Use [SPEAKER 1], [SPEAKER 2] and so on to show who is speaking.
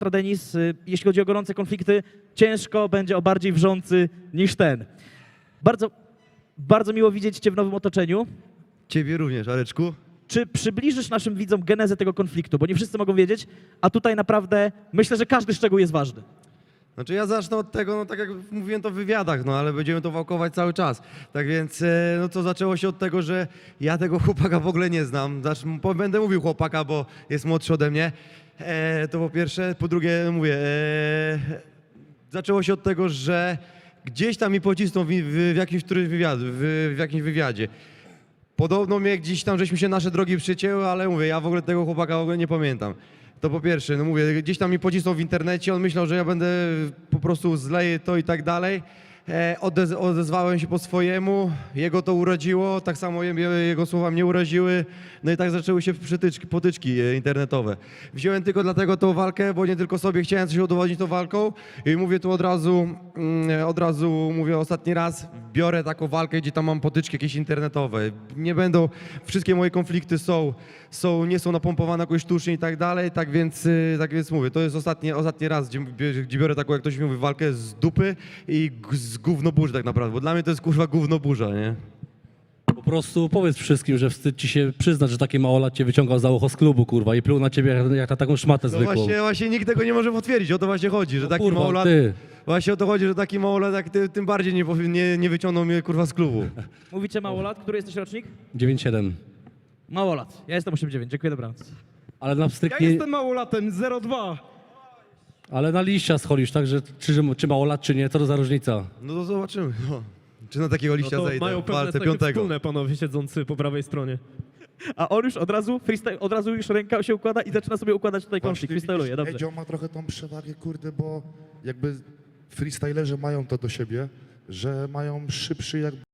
[SPEAKER 1] Denis, jeśli chodzi o gorące konflikty, ciężko będzie o bardziej wrzący niż ten. Bardzo miło widzieć Cię w nowym otoczeniu.
[SPEAKER 2] Ciebie również, Areczku.
[SPEAKER 1] Czy przybliżysz naszym widzom genezę tego konfliktu? Bo nie wszyscy mogą wiedzieć, a tutaj naprawdę myślę, że każdy szczegół jest ważny.
[SPEAKER 2] Znaczy ja zacznę od tego, no tak jak mówiłem to w wywiadach, no ale będziemy to wałkować cały czas. Tak więc, no to zaczęło się od tego, że ja tego chłopaka w ogóle nie znam. Będę mówił chłopaka, bo jest młodszy ode mnie. To po pierwsze. Po drugie, mówię, zaczęło się od tego, że gdzieś tam mi pocisnął w jakimś wywiadzie. Podobno mnie gdzieś tam, żeśmy się nasze drogi przycięły, ale mówię, ja w ogóle tego chłopaka w ogóle nie pamiętam. To po pierwsze, no mówię, gdzieś tam mi pocisnął w internecie, on myślał, że ja będę po prostu zleję to i tak dalej. Odezwałem się po swojemu, jego to uraziło, tak samo jego słowa mnie uraziły, no i tak zaczęły się potyczki internetowe. Wziąłem tylko dlatego tą walkę, bo nie tylko sobie chciałem coś udowodnić tą walką i mówię tu od razu mówię ostatni raz, biorę taką walkę, gdzie tam mam potyczki jakieś internetowe. Nie będą, wszystkie moje konflikty nie są napompowane jakoś sztucznie i tak dalej, tak więc mówię, to jest ostatni raz, gdzie biorę taką, jak ktoś mówi, walkę z dupy i z gównoburzy tak naprawdę, bo dla mnie to jest kurwa gównoburza, nie?
[SPEAKER 3] Po prostu powiedz wszystkim, że wstyd ci się przyznać, że taki małolat cię wyciągał za ucho z klubu, kurwa, i pluł na ciebie jak na taką szmatę
[SPEAKER 2] No
[SPEAKER 3] zwykłą.
[SPEAKER 2] właśnie nikt tego nie może potwierdzić, o to właśnie chodzi, że
[SPEAKER 3] No
[SPEAKER 2] taki
[SPEAKER 3] kurwa,
[SPEAKER 2] małolat...
[SPEAKER 3] ty.
[SPEAKER 2] Właśnie o to chodzi, że taki małolat jak ty, tym bardziej nie wyciągnął mnie kurwa z klubu.
[SPEAKER 1] Mówicie małolat, który jesteś rocznik?
[SPEAKER 3] 9-7.
[SPEAKER 1] Małolat. Ja jestem 8-9, dziękuję, dobranoc.
[SPEAKER 3] Ale na
[SPEAKER 4] Ja
[SPEAKER 3] stryknie,
[SPEAKER 4] jestem małolatem, 0,2.
[SPEAKER 3] ale na liścia scholisz, tak, że czy małolat, czy nie, co to za różnica?
[SPEAKER 2] No to zobaczymy, no. Czy na takiego
[SPEAKER 4] No
[SPEAKER 2] liścia
[SPEAKER 4] to
[SPEAKER 2] zejdę
[SPEAKER 4] mają
[SPEAKER 2] w
[SPEAKER 4] pewne
[SPEAKER 2] walce
[SPEAKER 4] cechy
[SPEAKER 2] piątego.
[SPEAKER 4] wspólne, panowie siedzący po prawej stronie.
[SPEAKER 1] A on już od razu freestyle, od razu już ręka się układa i zaczyna sobie układać tutaj konflikt,
[SPEAKER 5] Właśnie
[SPEAKER 1] freestyluje,
[SPEAKER 5] widzisz,
[SPEAKER 1] dobrze.
[SPEAKER 5] Edzio ma trochę tą przewagę, kurde, bo jakby freestylerzy mają to do siebie, że mają szybszy jakby